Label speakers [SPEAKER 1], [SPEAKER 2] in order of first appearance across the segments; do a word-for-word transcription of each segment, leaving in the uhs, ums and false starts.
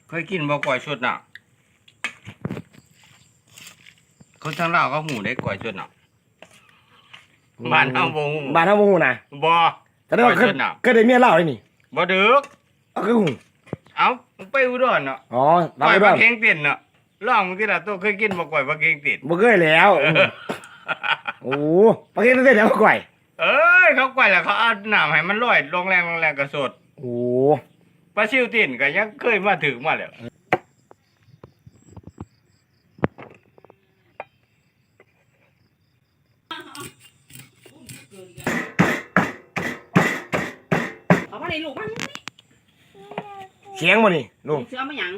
[SPEAKER 1] เคยกินบ่กล้วยชุดน่ะคนทางลาวเขาหูได้กล้วยชุดน่ะบ้านเฮาบ่ฮู้
[SPEAKER 2] บ้านเฮาบ่ฮู้นะ
[SPEAKER 1] บ่
[SPEAKER 2] แต่ว่าเคยเคยได้เมียเล่าเลยนี่
[SPEAKER 1] บ่ดึก
[SPEAKER 2] เอาคือฮู้
[SPEAKER 1] เอ้าไปอุดรเนาะ
[SPEAKER 2] อ๋อ
[SPEAKER 1] ปล่อยปลาเค็งติ่นเนาะลองที่ละตัวเคยกินบ่กล้วยปลาเค็งติ่น
[SPEAKER 2] บ่เคยแล้วโอ้ปลาเค็งติ่นแล้วกล้วย
[SPEAKER 1] เอ้ยเขากล้วยแล้วเขาเอาน้ำให้มันลอยลงแรงลงแรงก็สด
[SPEAKER 2] โอ้
[SPEAKER 1] ปลาซิวติ่นก็ยังเคยมาถึงมาแล้ว
[SPEAKER 3] เอาไปในลูกมัน
[SPEAKER 2] เสียงบ่นี่ลุง
[SPEAKER 3] เสือมาหยัง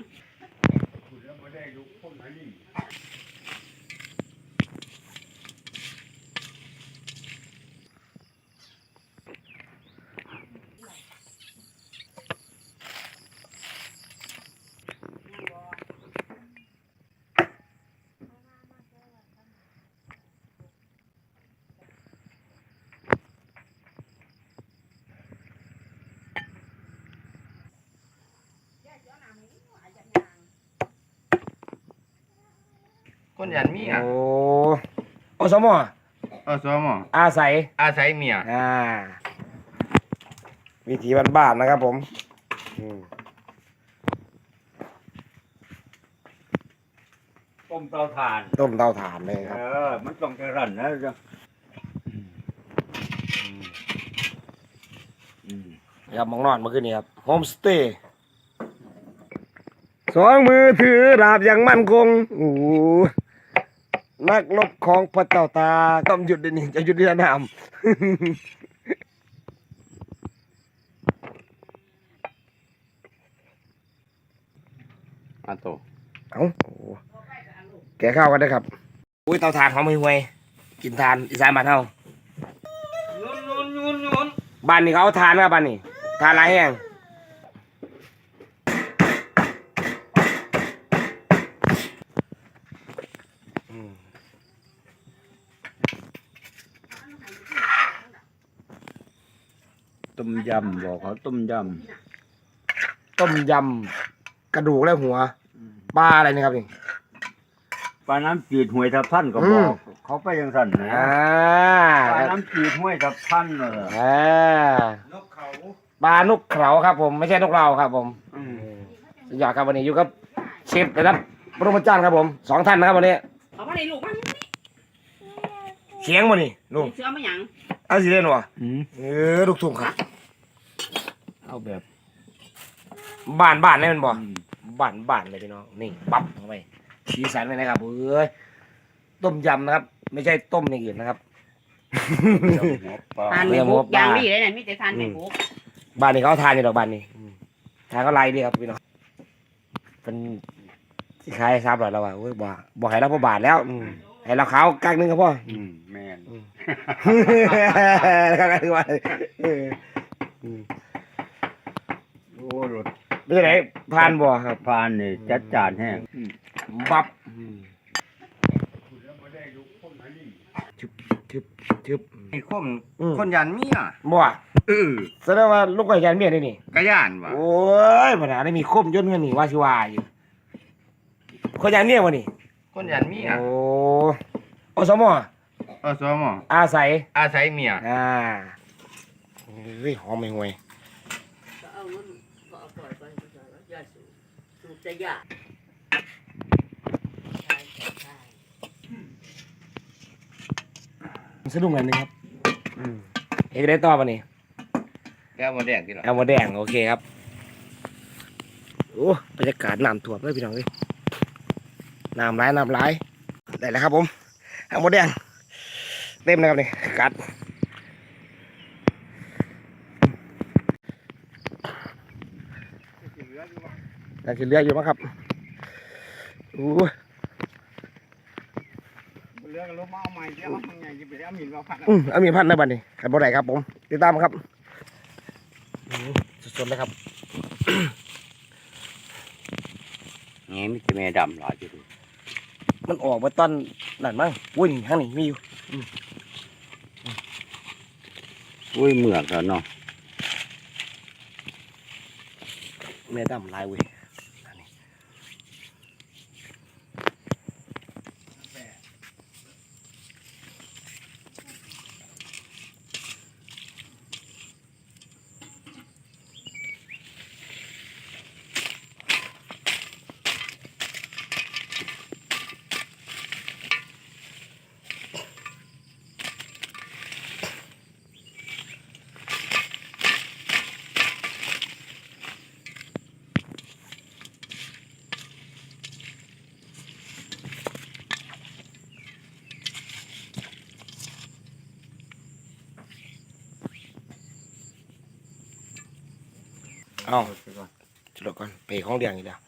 [SPEAKER 1] คนยันมีอ่ะ
[SPEAKER 2] โอ้อสมอ
[SPEAKER 1] อสมอ
[SPEAKER 2] อาศัย
[SPEAKER 1] อาศัยเมีย
[SPEAKER 2] อ่าวิถีบ้านๆนะครับผม
[SPEAKER 4] ต้มเตาถ่าน
[SPEAKER 2] ต้มเตาถ่านเลยครับ
[SPEAKER 4] เออมันต้องกระรั่นนะจ๊ะ
[SPEAKER 2] ครับมองนอนเมื่อคืนนี้ครับโฮมสเตย์สองมือถือดาบอย่างมั่นคงโอ้นักรบของพระเจ้าตาต้องหยุดเดี๋ยวนี้จะหยุดที่สนาม
[SPEAKER 1] อาโต
[SPEAKER 2] เอ้าแกข้าวกันนะครับอุ้ยเตาถ่านหอมห่วยกินทานอีสานบ้านเฮาบ้านนี้เขาเอาทานครับบ้านนี้ทานหลายแห้ง
[SPEAKER 4] ต้มยำบอกเขาต้มย
[SPEAKER 2] ำต้มยำกระดูกและหัวปลาอะไรนี่ครับนี่
[SPEAKER 4] ปลาน้ำจืดห้วยทับท่านก็บอกเขาไปยังสั่นนะปลาน้ำจืดห้วยทับท่านเลย
[SPEAKER 1] นกเขา
[SPEAKER 2] ปลานกเขาครับผมไม่ใช่นกเราครับผมสุดยอดครับวันนี้อยู่กับเชฟนะครับปรมาจารย์ครับผมสองท่านนะครับวันนี้
[SPEAKER 3] เอาไปในลูกมัน
[SPEAKER 2] เสียงวันนี้ลุง
[SPEAKER 3] เสือมาหยัง
[SPEAKER 2] เอาสิเล่นวะเออลูกทุ่งครับ
[SPEAKER 4] เอาแบบ
[SPEAKER 2] บ้านบ้านนี่มันบ่บ้านบ้านเลยพี่น้องนี่ปั๊บเข้าไปสีสันเลยนะครับเอ้ยต้มยำนะครับไม่ใช่ต้มอย่างอื่นนะครับ
[SPEAKER 3] ทานไม่บุกอย่างดีเลยเนี่ยมิแต่ทานไม่บุก
[SPEAKER 2] บ้านนี้เขาทานอยู่ดอกบ้านนี้ทานก็ไรดีครับพี่น้องเป็นที่ขายทราบหรอเราว่าโอ้ยบ่บ่ให้เราพอบาทแล้วให้เราขาวกักนึงครับพ่อ
[SPEAKER 4] แม่น
[SPEAKER 2] กักนึงว่า
[SPEAKER 4] โอ้รถ
[SPEAKER 2] ไม่ใช่ไหนพานบ่ครับ
[SPEAKER 4] พานนี่จัดจานแห้ง
[SPEAKER 2] บับทึบทึบทึบ
[SPEAKER 1] ไอ้คนคนยันมีอ่ะ
[SPEAKER 2] บ่
[SPEAKER 1] เออ
[SPEAKER 2] แสดงว่าลูกไก่ยันเมียนี่นี่
[SPEAKER 1] กระยานว่ะ
[SPEAKER 2] โอ้ยปัญหาได้มีคมย่นเงินนี่ว่าชิวาอยู่คนยันเมียวะนี่
[SPEAKER 1] คนยันมีอ่ะ
[SPEAKER 2] โอ้อสมอ
[SPEAKER 1] อสมอ
[SPEAKER 2] อาศัย
[SPEAKER 1] อาศัยเมีย
[SPEAKER 2] อ่าเฮ้ยหอมไม่ห่วยสะดุ้งกันนึงครับเอกได้ต่อป่ะนี่
[SPEAKER 1] แก้วมาแดงที่หรอ
[SPEAKER 2] แก้วมาแดงโอเคครับโอ้บรรยากาศน้ำท่วมเลยพี่น้องเลยน้ำไหลน้ำไหลได้แล้วครับผมแก้วมาแดงเต็มนะครับนี่กัดน่าจะเลืออยู่มั้งครับโอ้
[SPEAKER 1] เรือกันลบมาเอาใหม่เดี๋ยวเอาไงจะไปเอาหมิ่นมาพัน
[SPEAKER 2] อืมเอาหมิ่นพันได้บ้านี่ขับบ่ได้ครับผมติดตามครับสดๆเลยครับ
[SPEAKER 4] งี้ไม่จะแม่ดำหรอจะดู
[SPEAKER 2] มันออกมาตอนนั่นมั้งวุ้ยข้างนี้มีอยู่
[SPEAKER 4] อุ้ยเหมือกแล้วเนาะ
[SPEAKER 2] แม่ดำลายเว้ยเอาจุดก่อนไปของเดียงอีกแล้ว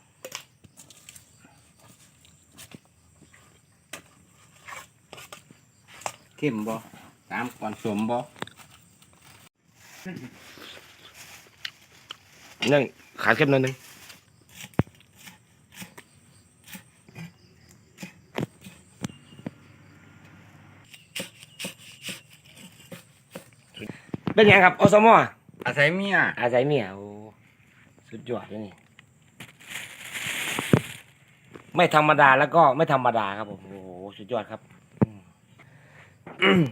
[SPEAKER 1] เข้มบ่ตามก่อนสมบ่
[SPEAKER 2] นั่งขาเข้มนิดนึงเป็นยังครับอสมอ
[SPEAKER 1] อาศัยเมีย
[SPEAKER 2] อาศัยเมียโอ้สุดยอดเลยนี่ไม่ธรรมดาแล้วก็ไม่ธรรมดาครับผมโอ้โหสุดยอดครับอืม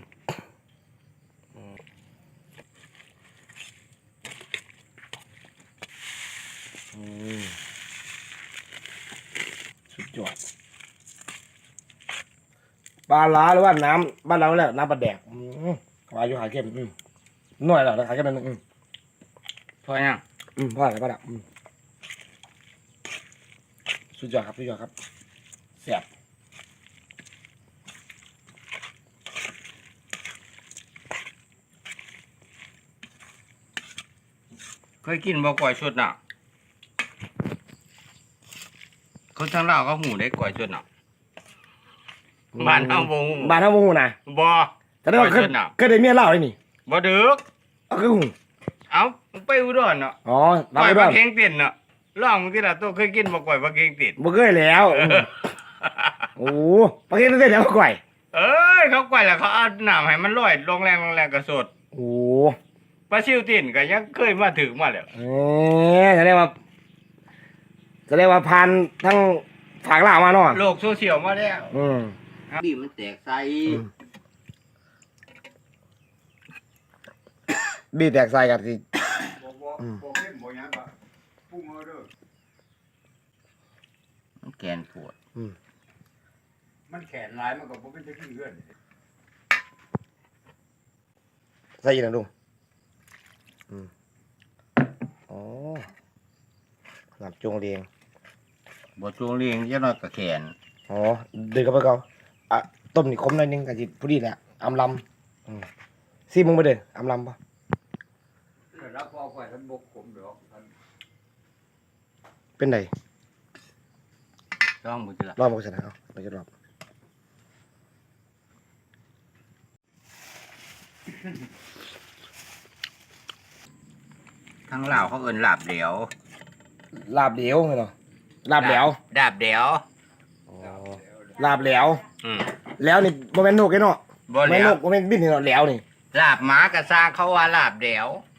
[SPEAKER 2] อืมสุดยอดปลาล้าหรือว่าน้ำบ้านเราเนี่ยน้ำปลาแดกอืมปลาอยู่หาเข้มอืมหน่อยแล้วหาเข้มนิดนึงอืม
[SPEAKER 1] พอยัง
[SPEAKER 2] อืมพ่ออะไรพ่อดับอืมสุดยอดครับสุดยอดครับแซ่บ
[SPEAKER 1] เคยกินบ่ก่อยชุดน่ะคนทางลาวเขาหูได้ก่อยชุดน่ะบ้านเฮาบ่ฮู้
[SPEAKER 2] บ้านเฮาบ่ฮู้นะ
[SPEAKER 1] บ่
[SPEAKER 2] แต่ได้ว่าเค
[SPEAKER 1] ก่
[SPEAKER 2] ย
[SPEAKER 1] อยชุดน่ะ
[SPEAKER 2] เคยได้เมียเล่าเลยนี่
[SPEAKER 1] บ่ดึก
[SPEAKER 2] เอาคือฮู้
[SPEAKER 1] เอ้ามึงไปอุดรเนาะ
[SPEAKER 2] อ๋อ
[SPEAKER 1] ก่
[SPEAKER 2] รับ
[SPEAKER 1] อย
[SPEAKER 2] ไป
[SPEAKER 1] ป
[SPEAKER 2] ด้ว
[SPEAKER 1] ลาย เค็งติดเนาะลองมึงที่ละตัวเคยกินบ่ก่อยปลาเค็งติด
[SPEAKER 2] บ่เคยแล้วอืมโอ้โหปลาเค็งได้แล้วก่อย
[SPEAKER 1] เอ้ยเขาก่อยแล้วเขาเอาน้ำให้มันลอยลงแรงลงแรงก็สด
[SPEAKER 2] โอ้
[SPEAKER 1] ปลาซิวตินก็ยังเคยมาถึงมาแล้ว
[SPEAKER 2] เอ๊ะจะเรียกว่าจะเรียกว่าพันทั้งฝากล่ามาเนาะ
[SPEAKER 1] โลกโซเชียลมาแล้ว
[SPEAKER 2] อืม
[SPEAKER 1] บีมันแตกใส่
[SPEAKER 2] บีแตกใส่กันสิ
[SPEAKER 4] บ่บ่บ่เข้มบ่หยังก็ปรุงเอาเด้อ
[SPEAKER 1] มันแกนปวด
[SPEAKER 4] มันแขนหลายมันก็บ่เป็นจะกินเอื้อน
[SPEAKER 2] ใส่อีกนะลุงอืมอ๋อหลับจงเรียง
[SPEAKER 1] บ่จวงเรียงจังน้อยก็แขน
[SPEAKER 2] อ๋อเดินกับไปเก่าอ่ะต้มนี่คมหน่อยนึงกะจิพอดีแหละอำลำอืมซีมึงไปเด้ออำลำปะ
[SPEAKER 4] รับเอาไปท่านบกผมดอกท่าน
[SPEAKER 2] เป็นไง
[SPEAKER 1] ลองบ่จิล่ะ
[SPEAKER 2] รอบมาชนะเอาเราจะรอบ
[SPEAKER 1] ทางลาวเขาเอิ้นลาบเหลว
[SPEAKER 2] ลาบเหลวไงเนาะลาบเหลว
[SPEAKER 1] ดาบเหลว
[SPEAKER 2] อ๋อลาบเหลว
[SPEAKER 1] อืม
[SPEAKER 2] แล้วนี่โมเมนต์นกไอ้เนาะ
[SPEAKER 1] บ่
[SPEAKER 2] โม
[SPEAKER 1] เห
[SPEAKER 2] เม
[SPEAKER 1] ล
[SPEAKER 2] นต์น
[SPEAKER 1] ว
[SPEAKER 2] กโมเมนต์บินนี่เนาะแล้วนี่
[SPEAKER 1] ลาบหมากระซางเขาว่าลาบเหลว